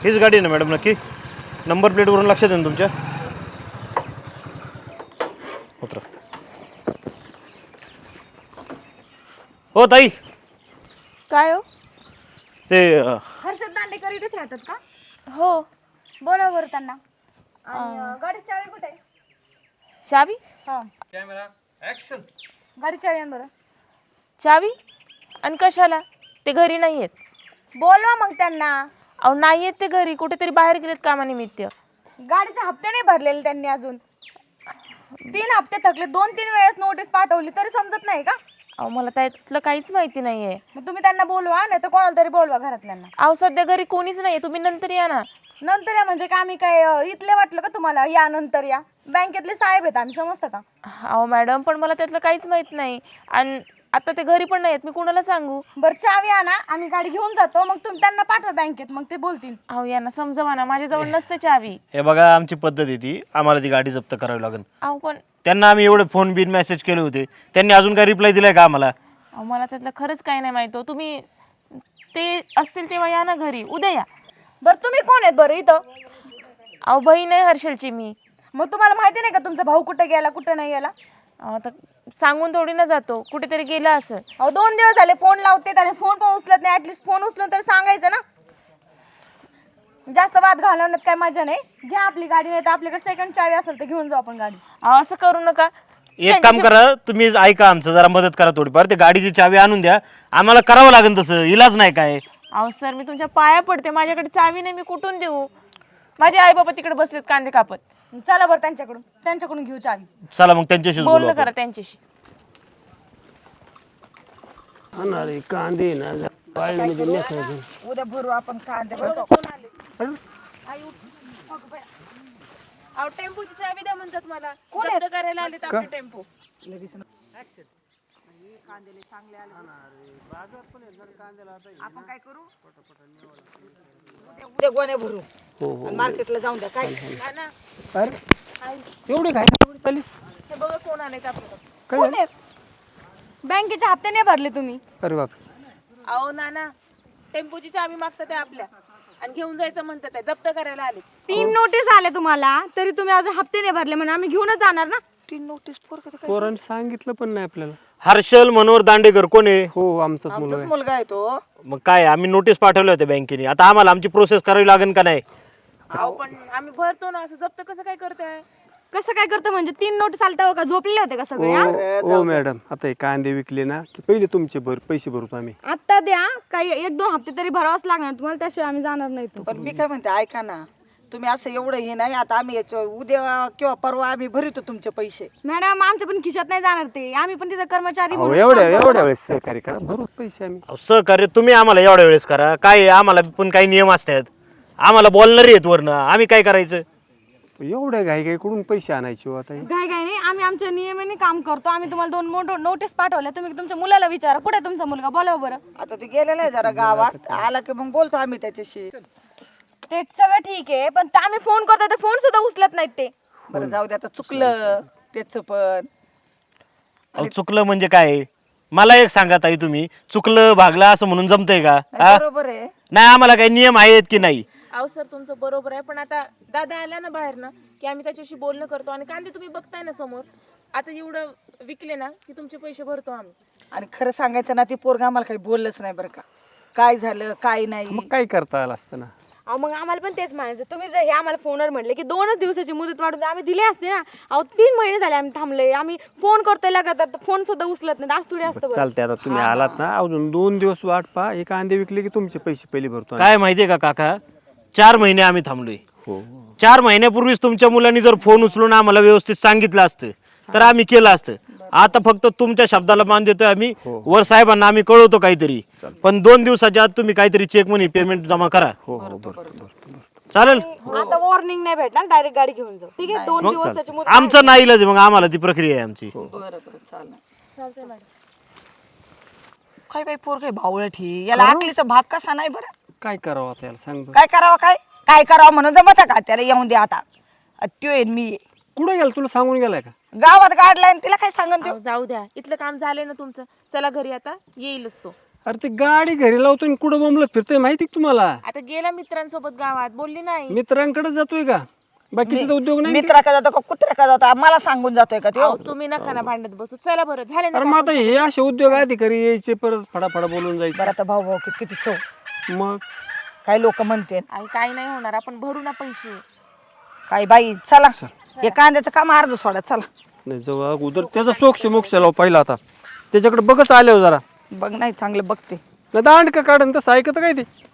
हीच गाडी आहे ना मॅडम नक्की? नंबर प्लेटवरून लक्षात आहे ना तुमच्या? उतरा. हो ताई. काय हो? ते हर्षद दांडेकर इथेच राहतात का? हो. बोला बरं त्यांना. आणि गाडीची चावी कुठे आहे? चावी? हा, कॅमेरा ॲक्शन. गाडीची चावी आण बरं. चावी? आणि कशाला? ते घरी नाही आहेत. बोलवा मग त्यांना. अहो नाही आहेत ते घरी, कुठेतरी बाहेर गेलेत कामानिमित्त. गाडीचे हप्ते नाही भरलेले त्यांनी अजून. 3 हप्ते थकले, 2-3 वेळेस नोटीस पाठवली तरी समजत नाही का? अहो मला त्यातलं काहीच माहिती नाहीये. मग तुम्ही त्यांना बोलवा, नाही तर कोणाला तरी बोलवा घरातल्यांना. अहो सध्या घरी कोणीच नाहीये, तुम्ही नंतर या ना. नंतर या म्हणजे का आम्ही काय इथले वाटलं का तुम्हाला? या नंतर या. बँकेतले साहेब आहेत आम्ही, समजतं का? अहो मॅडम पण मला त्यातलं काहीच माहित नाही. आणि आता ते घरी पण नाहीत, मी कुणाला सांगू? बरं चावी आणा, आम्ही गाडी घेऊन जातो, मग तुम्ही त्यांना पाठवा बँकेत, मग ते बोलतील. अहो यांना समजवा ना, माझ्याजवळ नसते चावी. हे बघा आमची पद्धत आहे ती, आम्हाला ती गाडी जप्त करावी लागेल. अहो पण त्यांना आम्ही एवढे फोन बिन मेसेज केले होते, त्यांनी अजून काय रिप्लाय दिलाय का आम्हाला? अहो मला त्यातलं खरंच काही नाही माहिती. तुम्ही ते असतील तेव्हा या ना घरी, उद्या या. बरं तुम्ही कोण आहेत बरं इथं? अहो बहीण आहे हर्षलची मी. मग तुम्हाला माहिती नाही का तुमचा भाऊ कुठे गेला कुठे नाही गेला? आता सांगून थोडी ना जातो, कुठेतरी गेला असं. अहो 2 दिवस झाले फोन लावते, त्याने फोन पण उचलत नाही. ऍटलीस्ट फोन उचलून तरी सांगायचं ना. जास्त वाद घालवण्यात काय मजा नाही. घ्या आपली गाडी, नाही तर आपल्याकडे सेकंड चावी असेल तर घेऊन जाऊ आपण गाडी. अहो असं करू नका. एक काम करा, तुम्ही ऐका आमचं, जरा मदत करा थोडीफार. ते गाडीची चावी आणून द्या, आम्हाला करावं लागेल तसं, इलाज नाही काय. अहो सर मी तुमच्या पाया पडते, माझ्याकडे चावी नाही, मी कुठून देऊ? माझे आई बाबा तिकडे बसलेत कांदे कापत. चला बरं त्यांच्याकडून घेऊ चावी. चला मग त्यांच्याशीच बोलू बोलणं आपण. करा त्यांच्याशी. अरे कांदे ना पाळीमध्ये नेखायचे. उद्या भरू आपण कांदे. अहो टेम्पोची चावी द्या म्हणतात मला. जप्त करायला आलेत आपले टेम्पो. आपण काय करू? उद्या गोण्या भरू आणि मार्केटला जाऊन द्या. काय अरे एवढे काय चालीस हे बघा कोण आलेत आपल्याकडे. कोण आहेत? बँकेचे हप्ते नाही भरले तुम्ही? अरे बाप अहो नाना टेम्पोची चावी मागतात ते आपल्या आणि घेऊन जायचं म्हणतात ते, जप्त करायला आले. 3 नोटीस आले तुम्हाला, तरी तुम्ही अजून हप्ते नाही भरले म्हणून आम्ही घेऊनच जाणार ना. 3 नोटीस पोरांनी सांगितलं पण नाही आपल्याला. हर्षल मनोहर दांडेकर कोण आहे? हो आमचाच मुलगा आमचाच आहे. मुलगा आहे तो. मग काय आम्ही नोटीस पाठवल्या होत्या बँकेने, आता आम्हाला आमची प्रोसेस करावी लागेल का नाही? अहो पण आम्ही भरतो ना, असं जप्त कसं काय करताय? कसं काय करतो म्हणजे? 3 नोटीस आलता का? झोपलेले होते का सगळे? हा? हो मॅडम, आता हे कांदे विकले ना की पहिले तुमचे पैसे भरतो आम्ही. आता द्या, काही 1-2 हप्ते तरी भरावंच लागणार तुम्हाला, त्याशिवाय आम्ही जाणार नाही. तो पण मी काय म्हणते, ऐका ना, तुम्ही असं एवढं हे नाही. आता आम्ही उद्या किंवा परवा आम्ही भरतो तुमचे पैसे. मॅडम आमच्या पण खिशात नाही जाणार ते, आम्ही पण तिथे कर्मचारी हो म्हणून एवढ्या वेळेस सहकार्य करा, भरू पैसे आम्ही. अहो, सहकार्य तुम्ही आम्हाला एवढ्या वेळेस करा. काय आहे, आम्हाला पण काही नियम असतात, आम्हाला बोलणारे आहेत वरनं, आम्ही काय करायचं? एवढ्या घाई कडून पैसे आणायचे हो आता हे? काय नाही, आम्ही आमच्या नियमाने काम करतो. आम्ही तुम्हाला 2 नोटीस पाठवल्या, तुम्ही तुमच्या मुलाला विचारा कुठे आहे तुमचा मुलगा, बोलाव बरं. आता ते गेलेला आहे जरा गावात, आला की मग बोलतो आम्ही त्याच्याशी. ते सगळं ठीक आहे, पण आम्ही फोन करतो तर फोन सुद्धा उचलत नाहीत ते. बरं जाऊ दे, आता चुकलं त्याच पण. अहो, चुकलं म्हणजे काय? मला एक सांगा ताई, तुम्ही चुकलं भागलं असं म्हणून जमतंय का? हा? बरोबर आहे. नाही, आम्हाला काही नियम आहेत की नाही? अहो सर तुमचं बरोबर आहे, पण आता दादा आला ना बाहेर ना की आम्ही त्याच्याशी बोलणं करतो. आणि कांदे तुम्ही बघताय ना समोर, आता एवढं विकले ना की तुमचे पैसे भरतो आम्ही. आणि खरं सांगायचं ना, ती पोरगा आम्हाला काही बोललंच नाही बरं का, काय झालं काय नाही. मग काय करता आलं असतं ना. अहो मग आम्हाला पण तेच म्हणायचं, तुम्ही जर हे आम्हाला फोनवर म्हटले की 2च दिवसाची मुदत वाढून आम्ही दिली असते ना. अहो 3 महिने झाले आम्ही थांबले, आम्ही फोन करतोय लगातार, फोन सुद्धा उचलत नाही. आज थोडी असतं बरं. चालते, आता तुम्ही आलात ना, अजून 2 दिवस वाट पहा. हे कांदे विकले की तुमचे पैसे पहिले भरतो आम्ही. काय माहितीये का काका, 4 महिने आम्ही थांबलोय. हो 4 महिन्यापूर्वीच तुमच्या मुलांनी जर फोन उचलून आम्हाला व्यवस्थित सांगितलं असतं तर आम्ही केलं असतं. आता फक्त तुमच्या शब्दाला मान देतोय आम्ही, वर साहेबांना आम्ही कळवतो काहीतरी. पण 2 दिवसाच्या आत तुम्ही काहीतरी चेक मनी पेमेंट जमा करा. हो हो बरं. चालेल? आता वॉर्निंग नाही भेटणार, डायरेक्ट गाडी घेऊन जाऊ. ठीक आहे, 2 दिवसाची मुदत. आमचं नाही इलाज, मग आम्हाला ती प्रक्रिया आहे आमची. बरं चालेल. चालतंय मॅडम. काय बाई पोर काय भावळट ही, याला आकलीचा भाग कसा नाही बरं. काय करावं आता याला सांग बरं. काय करावं काय करावं म्हणून जमत का त्याला? येऊन दे आता, त्यो येईन मी ये. कुठं गेला, तुला सांगून गेलाय का? गावात काढलाय तिला काय सांगन त्यो. अहो, जाऊ द्या, इथलं काम झालंय ना तुमचं, चला घरी आता, येईलच तो. अरे ते गाडी घरी लावतो आणि कुठं बोंबलत फिरतोय माहिती का तुम्हाला? आता गेला मित्रांसोबत गावात, बोलली नाही. मित्रांकडे जातोय का? बाकीचे तर उद्योग नाही. मित्रा का जातो का कुत्र्या का जातो मला सांगून जातोय का तो? अहो, तुम्ही नका ना भांडत बसू. चला बरं, झाले ना अरे मग आता हे असे उद्योग अधिकारी यायचे परत फडाफडा बोलून जायचे. बरं आता भाऊ किती चव, मग काही लोक म्हणते आई काही नाही होणार, आपण भरू ना पैसे. काय बाई चला, हे कांद्याचं काम अर्ध सोडा चला. नाही जाऊ अगोदर त्याचा सोक्ष मोक्ष लाव पहिला. आता त्याच्याकडे बघच आल्यावर जरा बघ नाही चांगलं बघते. नाही दांड का काढन तसं ऐकत काय ते.